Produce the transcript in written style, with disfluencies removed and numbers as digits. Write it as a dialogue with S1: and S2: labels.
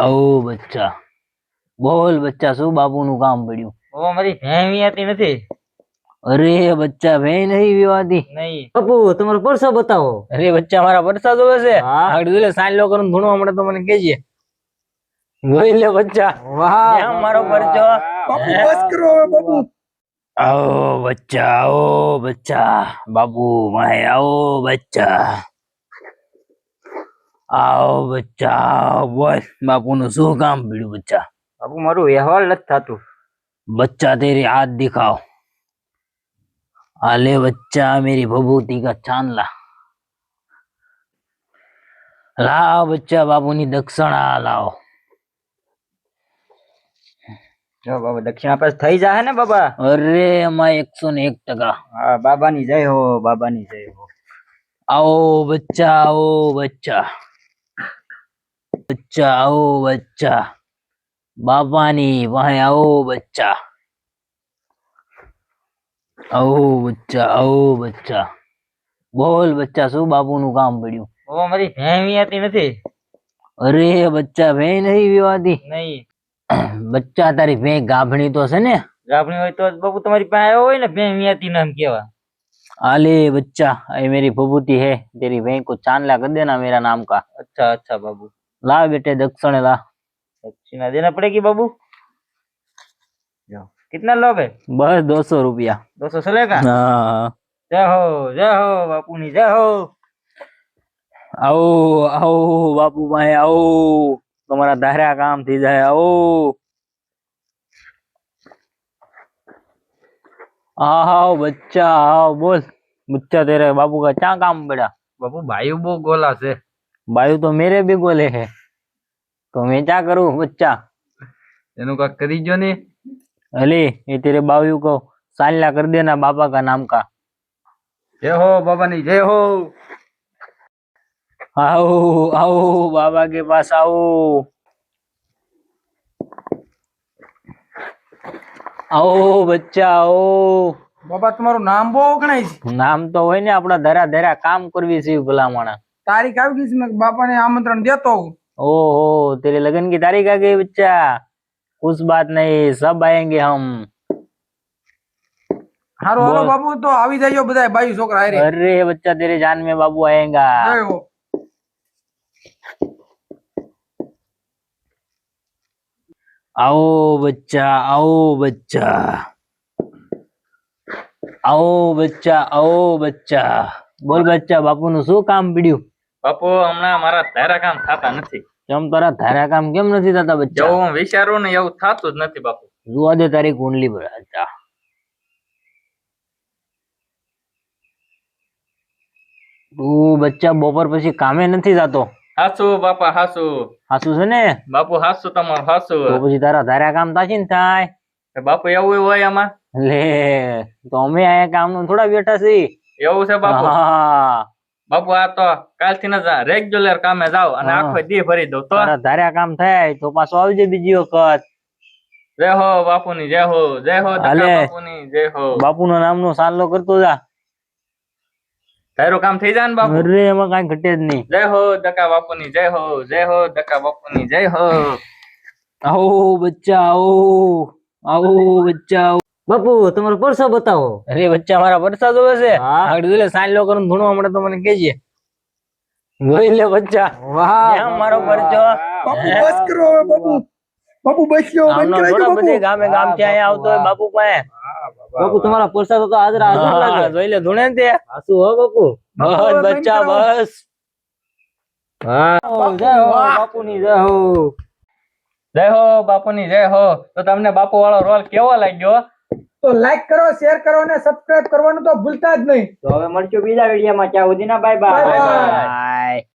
S1: आओ बच्चा बोल बच्चा शू बापू नु काम पड़્યું
S2: वो हमारी भैंस आती नहीं।
S1: अरे बच्चा वे नहीं विवादी
S2: नहीं बापू तुम्हारा परसा बताओ।
S1: अरे बच्चा हमारा परसा जोवे छे
S2: हाँ।
S1: આગળ જોલે સાંજ લો કરું ધૂણવા મળે તો મને કહેજે જોઈ લે બચ્ચા
S2: वाह
S1: ત્યાં મારો પરચો
S3: बापू बस करो હવે बापू
S1: आओ बच्चा बाबू मैं आओ बच्चा बोल बापू नु शू काम पड़્યું बच्चा
S2: बापू मारू व्यवहार लत थातु।
S1: बच्चा तेरे हाथ दिखाओ आले बच्चा मेरी भभूति का चांदला लाओ बच्चा बाबू नी दक्षिणा लाओ
S2: जो बाबा दक्षिणा पास थई जाए ने बाबा।
S1: अरे अमा 101%।
S2: हाँ बाबा नी जय हो बाबा नी जय हो।
S1: आओ बच्चा आओ बच्चा बाबा नी वहां आओ बच्चा बोल बच्चा शू बापू नु काम पड़્યું
S2: वो हमारी भैंस आती नहीं।
S1: अरे बच्चा वे नहीं विवादी
S2: नहीं
S1: बच्चा तारी वे गाभणी तो से ने
S2: गाभणी होय तो बापू तुम्हारी पास आयो होय ने भैंस आती नाम केवा।
S1: आले बच्चा ये मेरी भभूति है तेरी वे को चांदला कर देना मेरा नाम का।
S2: अच्छा अच्छा बाबू
S1: ला बेटे दक्षिण ला
S2: दक्षिणा देना पड़ेगी बाबू। कितना लोगे?
S1: बस 200 रुपया
S2: 200 चलेगा।
S1: हाँ
S2: जय हो बापू नी जय हो।
S1: आओ आओ बापू भाई आओ तुम्हारा धारा काम थी जाए आओ आओ बच्चा आओ बोल बच्चा तेरे बाबू का क्या काम पड़ा
S2: बापू भाई वो गोला से
S1: बायु तो मेरे भी गोले है तो मैं क्या करूं बच्चा
S2: एनु का करी जो ने।
S1: अले ये तेरे बायु को साल्या कर देना बाबा का नाम का।
S2: जय हो बाबा नी जय हो।
S1: आओ आओ बाबा के पास आओ आओ बच्चा आओ
S3: बाबा તમારું નામ બહુ ગણાય છે
S1: નામ તો હોય ને આપડા ધરા ધરા કામ કરવી છે ભલામણા
S3: તારીખ આવી ગઈ છે મેં બાપાને આમંત્રણ દેતો હું
S1: ओहो तेरे लगन की तारीख आ गई बच्चा कुछ बात नहीं सब आएंगे हम
S3: હારો હાલો
S1: બોલ।
S3: બાપુ તો આવી જાયો બધાય બાઈ છોકરા હારે
S1: अरे बच्चा तेरे जान में बाबू आएगा
S3: જય હો।
S1: आओ बच्चा आओ बच्चा आओ बच्चा बोल बच्चा बापू नु शू काम पड़્યું
S2: बापू हमना मारा धारा काम थाता नहीं।
S1: કેમ તારા ધારા કામ કેમ નથી થતા બચ્ચા
S2: जो હું વિચારું ને એવું થાતું જ નથી બાપુ।
S1: જોવા દે તારી કુંડલી પર બચ્ચા તું બચ્ચા બપોર પછી કામે નથી જાતો
S2: હાસુ બાપા હાસુ
S1: હાસુ છે ને
S2: બાપુ હાસુ તમારું હાસુ।
S1: તો પછી તારા ધારા કામ થાશે ને થાય
S2: બાપુ એવું હોય આમાં
S1: લે તો અમે આયા કામ નું થોડા બેઠા છીએ
S2: એવું છે બાપુ।
S1: હા
S2: બાપુ આ તો કાલથી ન રેગ્યુલર કામે જાવ અને
S1: હા।
S2: આખો દી ભરી દઉં તો।
S1: તારા ધારા કામ થાય તો પાછો આવજે બીજી વખત
S2: જય હો બાપુની જય હો
S1: હાલે।
S2: બાપુની જય હો।
S1: બાપુ નો નામ નો સાલો કરતો જા
S2: તારું કામ થઈ જાય ને બાપુ।
S1: અરે એમાં કઈ ઘટે જ નહીં
S2: જય હો દકા બાપુની જય હો દકા બાપુની જય હો।
S1: आओ बच्चा आओ बच्चा आओ
S2: બાપુ તમારો પરસો બતાવો।
S1: अरे बच्चा हमारा परसा जोवे छे
S2: हाँ।
S1: આગળ જોલે સાંજ લો કરું ધૂણવા મળે તો મને કહેજે જોઈ લે બચ્ચા
S2: વાહ
S1: ત્યાં મારો પરચો
S3: બાપુ બસ કરો હવે બાપુ બાપુ બસ લ્યો બંધ
S1: આમનો
S3: કરાઈ
S1: થોડા
S3: દો
S1: બધે
S3: બાપુ
S1: ગામે ગામ થી અહીંયા આવતો હોય બાપુ પાસે
S2: બાપુ તમારા પરસા તો હાજર હાજર
S1: હા,
S2: લાગે।
S1: જોઈ લે ધૂણે ને તે
S2: હાસુ હો બાપુ।
S1: બસ
S3: હવે
S1: બચ્ચા
S3: બંધ કરાવો।
S1: બસ
S2: હા જય હો બાપુની જય હો બાપુની જય હો। તો તમને બાપુ વાળો રોલ કેવો લાગ્યો?
S3: તો લાઈક કરો શેર કરો અને સબસ્ક્રાઇબ કરવાનું તો ભૂલતા જ નહીં।
S2: તો હવે મળશું બીજા વિડીયોમાં। ત્યાં સુધીના bye
S3: Bye bye.
S2: Bye.
S1: By